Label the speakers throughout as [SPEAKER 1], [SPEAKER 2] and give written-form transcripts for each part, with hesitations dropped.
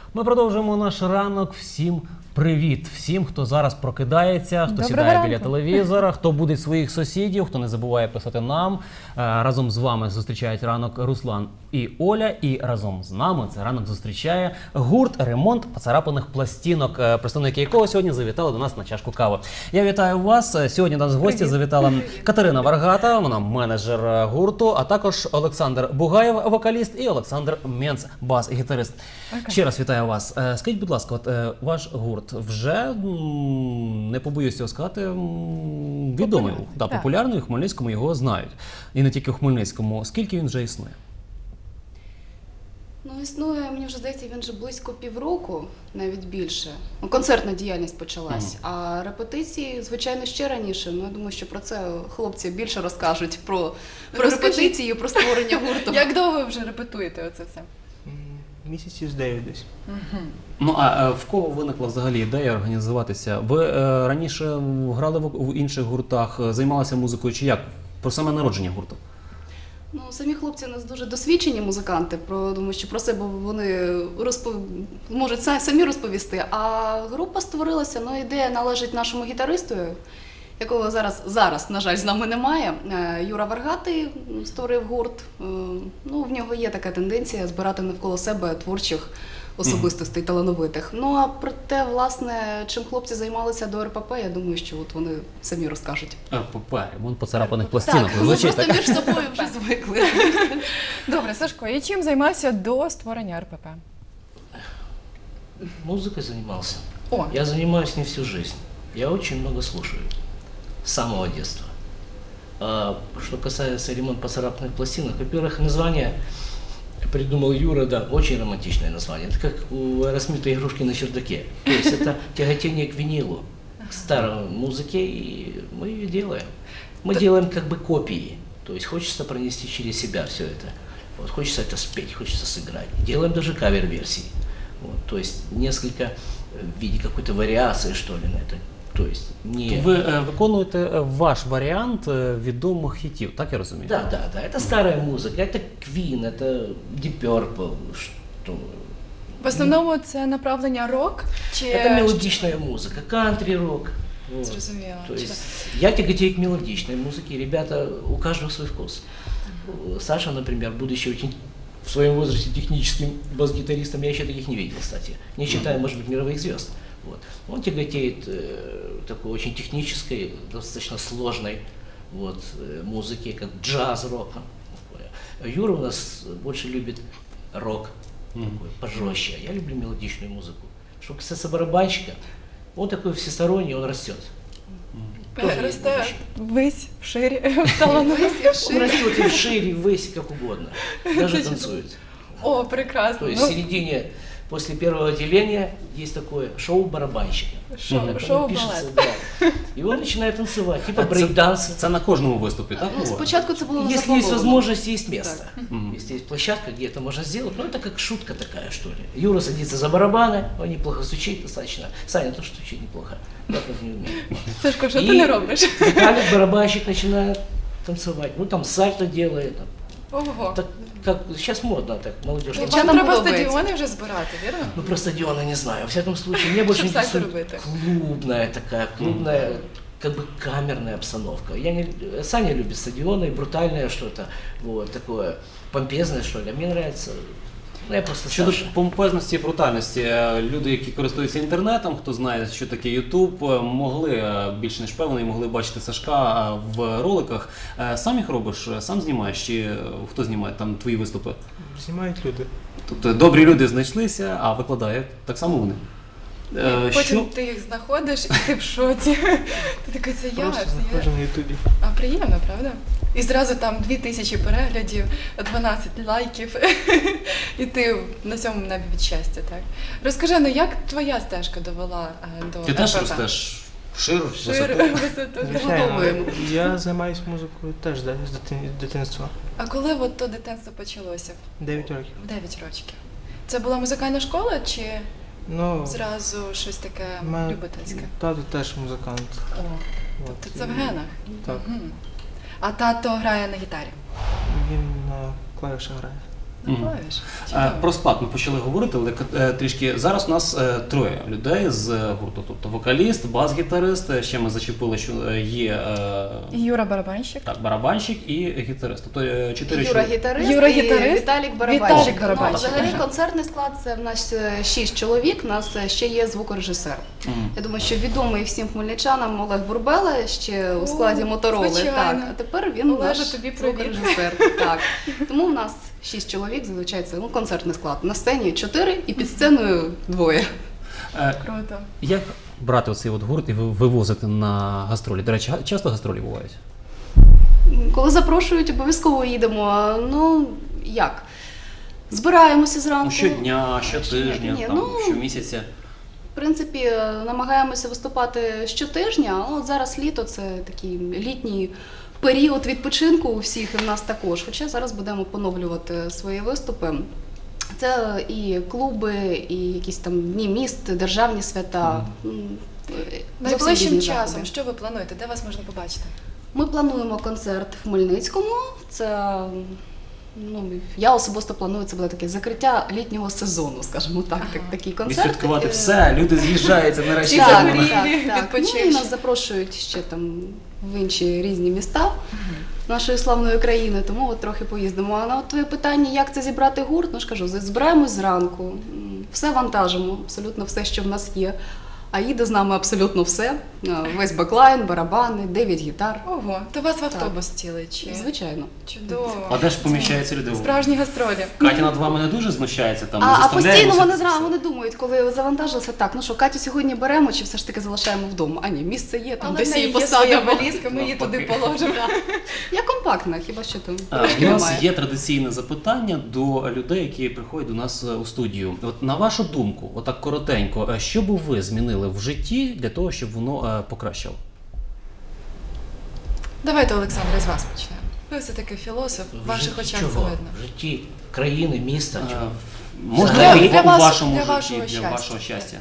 [SPEAKER 1] Ми продовжуємо наш ранок. Всім привіт! Всім, хто зараз прокидається, хто сідає біля телевізора, хто буде своїх сусідів, хто не забуває писати нам. Разом з вами зустрічають ранок Руслан і Оля. І разом з нами це ранок зустрічає гурт «Ремонт поцарапаних пластинок», представники якого сьогодні завітали до нас на чашку кави. Я вітаю вас. Сьогодні до нас в гості завітала Катерина Варгата, вона менеджер гурту, а також Олександр Бугаєв, вокаліст, і Олександр Менц, бас-гітарист. Ще раз вітаю вас. Скажіть, будь ласка, ваш гурт вже, не побоюсь цього сказати, відомий, популярний, у Хмельницькому його знають. І не тільки у Хмельницькому. Скільки він вже існує?
[SPEAKER 2] Ну, існує, мені вже здається, він вже близько півроку, навіть більше. Концертна діяльність почалась, а репетиції, звичайно, ще раніше. Ну, я думаю, що про це хлопці більше розкажуть, про репетиції, про створення гурту.
[SPEAKER 3] Як довго ви вже репетуєте оце все?
[SPEAKER 4] Місяців з 9 десь.
[SPEAKER 1] Ну, а в кого виникла взагалі ідея організуватися? Ви раніше грали в інших гуртах, займалися музикою чи як? Про саме народження гурту?
[SPEAKER 2] Ну, самі хлопці у нас дуже досвідчені музиканти, думаю, що про себе вони можуть самі розповісти. А група створилася, ну, ідея належить нашому гітаристу, якого зараз, на жаль, з нами немає. Юра Варгатий створив гурт. Ну, в нього є така тенденція збирати навколо себе творчих особистостей, талановитих. Ну, а про те, власне, чим хлопці займалися до РПП, я думаю, що от вони самі розкажуть.
[SPEAKER 1] РПП, ремонт поцарапаних пластинок.
[SPEAKER 2] Так, ми просто між собою вже звикли.
[SPEAKER 3] Добре, Сашко, і чим займався до створення РПП?
[SPEAKER 5] Музыкой занимался.
[SPEAKER 3] О.
[SPEAKER 5] Я занимаюсь не всю жизнь. Я очень много слушаю. С самого детства. Что касается ремонта поцарапанных пластинок, во-первых, название придумал Юра, да, очень романтичное название. Это как у Аэросмита «Игрушки на чердаке». То есть это тяготение к винилу, к старой музыке, и мы ее делаем. Мы делаем как бы копии. То есть хочется пронести через себя все это. Вот, хочется это спеть, хочется сыграть. Делаем даже кавер-версии. Вот, то есть несколько в виде какой-то вариации, что ли, на это. То есть не...
[SPEAKER 1] Ви виконуєте ваш варіант відомих хітів, так я розумію?
[SPEAKER 5] Да. Это старая музыка, это Queen, это Deep Purple, что...
[SPEAKER 3] В основному це направлення рок? Чи...
[SPEAKER 5] Это мелодичная музыка, кантри-рок. Вот.
[SPEAKER 3] Зрозуміло.
[SPEAKER 5] То есть я тяготею к мелодичной музыке, ребята, у каждого свой вкус. Саша, например, будучи очень в своем возрасте техническим бас-гитаристом, я еще таких не видел, кстати, не считая, может быть, мировых звезд. Вот. Он тяготеет такой очень технической, достаточно сложной музыке, как джаз-рок. Юра у нас больше любит рок, такой пожестче. Я люблю мелодичную музыку. Что касается барабанщика, он такой всесторонний, он растет.
[SPEAKER 3] Росте ввись, вширі, талановитий.
[SPEAKER 5] Он растет и вшире, и ввысь, как угодно. Даже танцует.
[SPEAKER 3] О, прекрасно.
[SPEAKER 5] То есть в середине, после первого отделения, есть такое шоу барабанщика.
[SPEAKER 3] Шоу-балет.
[SPEAKER 5] Да. И он начинает танцевать, типа брейк-данса.
[SPEAKER 1] Це на кожному виступі, так?
[SPEAKER 2] Ну, спочатку це було
[SPEAKER 5] Если есть
[SPEAKER 2] заплановано.
[SPEAKER 5] возможность, есть место. Если есть площадка, где это можно сделать, ну это как шутка такая, что ли. Юра садится за барабаны, он неплохо стучит достаточно. Саня тоже стучит неплохо, я так не умею.
[SPEAKER 3] Сашко, що ти не робиш?
[SPEAKER 5] Виталик, барабанщик, начинает танцевать. Ну там сальто делает.
[SPEAKER 3] Ого.
[SPEAKER 5] Так, как сейчас модно, так, молодежь.
[SPEAKER 3] Вам
[SPEAKER 2] Дівчатам
[SPEAKER 3] треба
[SPEAKER 2] подобається.
[SPEAKER 3] стадіони вже збирати, вірно?
[SPEAKER 5] Ну про стадионы не знаю. Во всяком случае, мне больше
[SPEAKER 3] Чтоб сальто
[SPEAKER 5] интересует
[SPEAKER 3] робити.
[SPEAKER 5] клубная такая, клубная, как бы камерная обстановка. Саня любит стадионы, и брутальное что-то, вот, такое помпезное, что ли. А мне нравится, ну я просто
[SPEAKER 1] Щодо
[SPEAKER 5] Саша.
[SPEAKER 1] помпезності і брутальності, люди, які користуються інтернетом, хто знає, що таке YouTube, могли, більш ніж певний, могли бачити Сашка в роликах. Сам їх робиш, сам знімаєш, чи хто знімає там твої виступи?
[SPEAKER 4] Знімають люди.
[SPEAKER 1] Тобто добрі люди знайшлися, а викладають так само вони.
[SPEAKER 3] Потім ти їх знаходиш і ти в шоці. Ти такий, це я,
[SPEAKER 4] Просто
[SPEAKER 3] це я.
[SPEAKER 4] знаходжу на Ютубі.
[SPEAKER 3] А приємно, правда? І зразу там 2000 переглядів, 12 лайків, і ти на цьому небі від щастя, так? Розкажи, ну як твоя стежка довела до
[SPEAKER 1] Ти теж
[SPEAKER 3] РПП?
[SPEAKER 1] ростеш шир,
[SPEAKER 3] Шир,
[SPEAKER 1] висоту?
[SPEAKER 3] висоту.
[SPEAKER 4] Звичайно, я займаюся музикою теж да, з дитинства.
[SPEAKER 3] А коли от то дитинство почалося?
[SPEAKER 4] 9 років.
[SPEAKER 3] В 9 років. Це була музикальна школа чи
[SPEAKER 4] Ну,
[SPEAKER 3] зразу щось таке любительське?
[SPEAKER 4] тато теж музикант.
[SPEAKER 3] О,
[SPEAKER 4] От,
[SPEAKER 3] тобто це в генах?
[SPEAKER 4] Так.
[SPEAKER 3] Мгм. А тато грає на гітарі?
[SPEAKER 4] Він на клавішах грає.
[SPEAKER 3] на
[SPEAKER 1] Мгм.
[SPEAKER 3] клавішах. Чудово.
[SPEAKER 1] Про склад ми почали говорити, але трішки зараз у нас троє людей з гурту. Тобто вокаліст, бас-гітарист, ще ми зачепили, що є
[SPEAKER 3] Юра барабанщик.
[SPEAKER 1] так, барабанщик і гітарист. Тобто чотири
[SPEAKER 2] Юра
[SPEAKER 1] чоловіка.
[SPEAKER 2] гітарист,
[SPEAKER 3] Юра
[SPEAKER 2] і
[SPEAKER 3] гітарист,
[SPEAKER 2] Віталік барабанщик.
[SPEAKER 3] Віталік барабанщик.
[SPEAKER 2] Взагалі концертний склад це в нас 6 чоловік, у нас ще є звукорежисер.
[SPEAKER 1] Мгм.
[SPEAKER 2] Я думаю, що відомий всім хмельничанам Олег Бурбела ще у складі Мотороли.
[SPEAKER 3] звичайно.
[SPEAKER 2] Так, а тепер він
[SPEAKER 3] Олеже,
[SPEAKER 2] наш
[SPEAKER 3] тобі привіт.
[SPEAKER 2] звукорежисер. Так. Тому в нас 6 чоловік, зазвичай це концертний склад. На сцені 4 і під сценою 2.
[SPEAKER 3] Круто.
[SPEAKER 1] Як брати оцей от гурт і вивозити на гастролі? До речі, часто гастролі бувають?
[SPEAKER 2] Коли запрошують, обов'язково їдемо. Ну, як? Збираємося зранку.
[SPEAKER 1] Ну, щодня, щотижня,
[SPEAKER 2] Ні,
[SPEAKER 1] там,
[SPEAKER 2] ну,
[SPEAKER 1] щомісяця.
[SPEAKER 2] В принципі, намагаємося виступати щотижня, але от зараз літо це такий літній період відпочинку у всіх і в нас також. Хоча зараз будемо поновлювати свої виступи. Це і клуби, і якісь там дні міст, державні свята. Зовсім
[SPEAKER 3] Найближчим
[SPEAKER 2] різні
[SPEAKER 3] часом,
[SPEAKER 2] заходи.
[SPEAKER 3] що ви плануєте? Де вас можна побачити?
[SPEAKER 2] Ми плануємо концерт в Хмельницькому. Це я особисто планую, це буде таке закриття літнього сезону, скажімо так, такий концерт.
[SPEAKER 1] Відсвяткувати все, люди з'їжджаються нарешті.
[SPEAKER 3] Всі
[SPEAKER 2] Так,
[SPEAKER 3] загорілі,
[SPEAKER 2] так, так. Ну, і
[SPEAKER 3] відпочивши.
[SPEAKER 2] нас запрошують ще там в інші різні міста нашої славної країни, тому от трохи поїздимо. А на от твоє питання, як це зібрати гурт, ну ж кажу, збираємось зранку, все вантажимо, абсолютно все, що в нас є. А їде з нами абсолютно все. Весь беклайн, барабани, 9 гітар.
[SPEAKER 3] Ого, то вас в автобус цілий чи?
[SPEAKER 2] Звичайно.
[SPEAKER 3] Чудово.
[SPEAKER 1] А де ж поміщаються люди?
[SPEAKER 3] Справжні гастролі.
[SPEAKER 1] Катя над вами не дуже знущається, там, не
[SPEAKER 2] А
[SPEAKER 1] заставляє
[SPEAKER 2] постійно вони
[SPEAKER 1] мусити
[SPEAKER 2] зразу вони думають, коли завантажилися, так, ну що, Катю сьогодні беремо чи все ж таки залишаємо вдома? А ні, місце є, там
[SPEAKER 3] Але
[SPEAKER 2] десь
[SPEAKER 3] в неї
[SPEAKER 2] її
[SPEAKER 3] є своя
[SPEAKER 2] посадимо.
[SPEAKER 3] валізка, ми її туди
[SPEAKER 1] Навпаки.
[SPEAKER 3] положимо.
[SPEAKER 2] Я компактна, хіба що там
[SPEAKER 1] У
[SPEAKER 2] трошки
[SPEAKER 1] нас
[SPEAKER 2] немає.
[SPEAKER 1] є традиційне запитання до людей, які приходять до нас у студію. От на вашу думку, отак коротенько, що би ви змінили в житті для того, щоб воно покращило?
[SPEAKER 3] Давайте, Олександре, з вас почнемо. Ви все-таки філософ, в ваших очах це
[SPEAKER 5] Чого?
[SPEAKER 3] видно.
[SPEAKER 5] В житті країни, міста.
[SPEAKER 1] Е,
[SPEAKER 5] чого?
[SPEAKER 1] Можливо,
[SPEAKER 3] Для
[SPEAKER 1] у
[SPEAKER 3] вас-
[SPEAKER 1] вашому
[SPEAKER 3] для
[SPEAKER 1] житті,
[SPEAKER 3] вашого
[SPEAKER 1] для
[SPEAKER 3] щастя.
[SPEAKER 1] вашого щастя.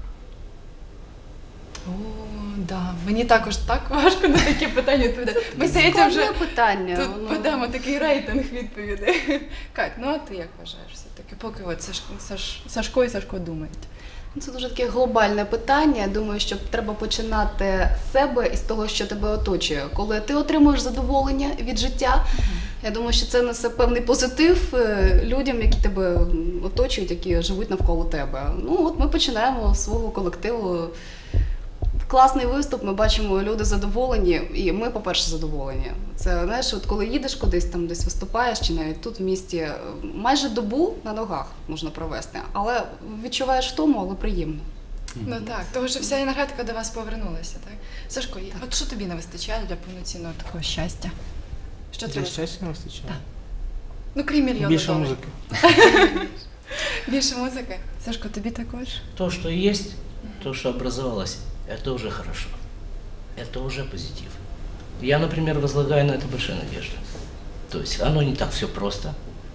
[SPEAKER 3] О, да. Мені також так важко на такі питання відповідати. Ми здається вже
[SPEAKER 2] Складне питання.
[SPEAKER 3] тут
[SPEAKER 2] воно.
[SPEAKER 3] подамо такий рейтинг відповідей. Кать, ну а ти як вважаєш все-таки? Поки от Сашко і Сашко думають.
[SPEAKER 2] Це дуже таке глобальне питання. Я думаю, що треба починати з себе і з того, що тебе оточує. Коли ти отримуєш задоволення від життя, я думаю, що це несе певний позитив людям, які тебе оточують, які живуть навколо тебе. Ну от ми починаємо з свого колективу. Класний виступ, ми бачимо, люди задоволені, і ми, по-перше, задоволені. Це, знаєш, от коли їдеш кудись, там десь виступаєш, чи навіть тут в місті, майже добу на ногах можна провести, але відчуваєш втому, але приємно.
[SPEAKER 3] Ну так, тому що вся енергетика до вас повернулася, так? Сашко, от що тобі не вистачає для повноцінного такого щастя? Що
[SPEAKER 4] Для
[SPEAKER 3] треба?
[SPEAKER 4] щастя не вистачає.
[SPEAKER 3] Ну, крім мільйона
[SPEAKER 4] Більше
[SPEAKER 3] доларів.
[SPEAKER 4] музики.
[SPEAKER 3] Більше музики. Сашко, тобі також?
[SPEAKER 5] То, что есть, то, что образовалось, это уже хорошо. Это уже позитив. Я, например, возлагаю на это большие надежды. То есть оно не так все просто,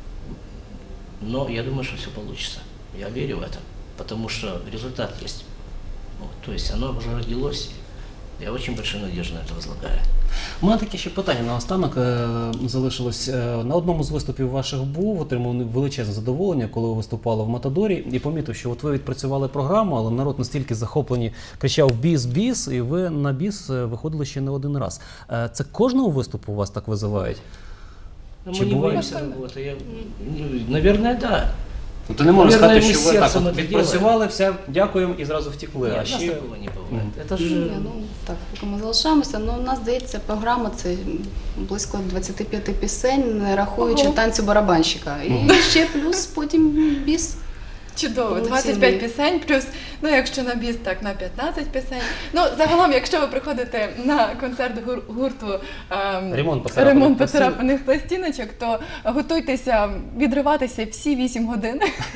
[SPEAKER 5] но я думаю, что все получится. Я верю в это, потому что результат есть. Вот, то есть оно уже родилось. Я очень большие надежды на это возлагаю.
[SPEAKER 1] У мене таке ще питання наостанок залишилось. На одному з виступів ваших був, отримав величезне задоволення, коли ви виступали в Матадорі, і помітив, що от ви відпрацювали програму, але народ настільки захоплені, кричав «біс, біс», і ви на біс виходили ще не один раз. Це кожного виступу у вас так визивають?
[SPEAKER 5] Но
[SPEAKER 1] Чи
[SPEAKER 5] мы не
[SPEAKER 1] бывает?
[SPEAKER 5] боимся работы. Наверное, да.
[SPEAKER 1] Ну, ти не можеш
[SPEAKER 5] Наверное,
[SPEAKER 1] сказати,
[SPEAKER 5] ми
[SPEAKER 1] що ви так
[SPEAKER 5] серцем
[SPEAKER 1] от
[SPEAKER 5] це
[SPEAKER 1] відпрацювали, все, дякуємо і зразу втекли.
[SPEAKER 5] Нет,
[SPEAKER 1] А
[SPEAKER 5] у нас
[SPEAKER 1] ще
[SPEAKER 5] такого не бывает. Это же...
[SPEAKER 2] Ні, ну так, поки ми залишаємося. Ну, у нас здається, програма це близько 25 пісень, не рахуючи
[SPEAKER 3] Ого.
[SPEAKER 2] танцю барабанщика. І ще плюс потім біс.
[SPEAKER 3] Чудово,
[SPEAKER 2] Повноцінний.
[SPEAKER 3] 25 пісень, плюс, ну якщо на біс, так на 15 пісень. Ну, загалом, якщо ви приходите на концерт гурту
[SPEAKER 1] Ремонт
[SPEAKER 3] поцарапаних пластиночок, то готуйтеся відриватися всі 8 годин.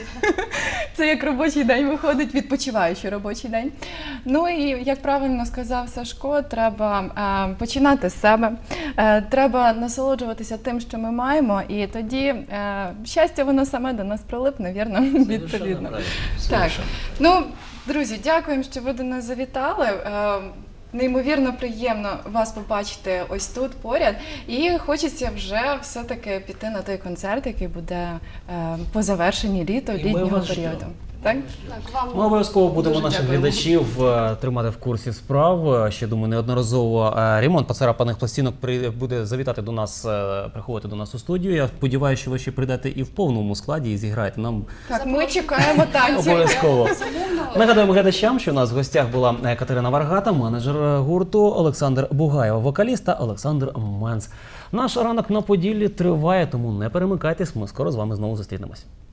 [SPEAKER 3] Це як робочий день виходить, відпочиваючий робочий день. Ну і, як правильно сказав Сашко, треба починати з себе, треба насолоджуватися тим, що ми маємо, і тоді щастя, воно саме до нас прилипне, вірно?
[SPEAKER 5] Совершенно
[SPEAKER 3] Відповідно.
[SPEAKER 5] правильно.
[SPEAKER 3] Так.
[SPEAKER 5] Совершенно.
[SPEAKER 3] Ну, друзі, дякуємо, що ви до нас завітали. неймовірно приємно вас побачити ось тут поряд. І хочеться вже все-таки піти на той концерт, який буде по завершенні
[SPEAKER 5] ми
[SPEAKER 3] літнього
[SPEAKER 5] вас
[SPEAKER 3] періоду.
[SPEAKER 5] ждемо.
[SPEAKER 3] Так?
[SPEAKER 2] Так, вам
[SPEAKER 1] Ми обов'язково будемо
[SPEAKER 2] дуже
[SPEAKER 1] наших
[SPEAKER 2] дякуємо.
[SPEAKER 1] глядачів тримати в курсі справ. Ще думаю, неодноразово ремонт поцарапаних пластинок буде завітати до нас, приходити до нас у студію. Я сподіваюся, що ви ще прийдете і в повному складі і зіграєте нам
[SPEAKER 3] Так, ми чекаємо танців.
[SPEAKER 1] обов'язково.
[SPEAKER 2] Безумовно.
[SPEAKER 1] Нагадаємо глядачам, що у нас в гостях була Катерина Варгата, менеджер гурту, Олександр Бугаєв, вокаліст та Олександр Менц. Наш ранок на Поділлі триває, тому не перемикайтесь, ми скоро з вами знову зустрінемось.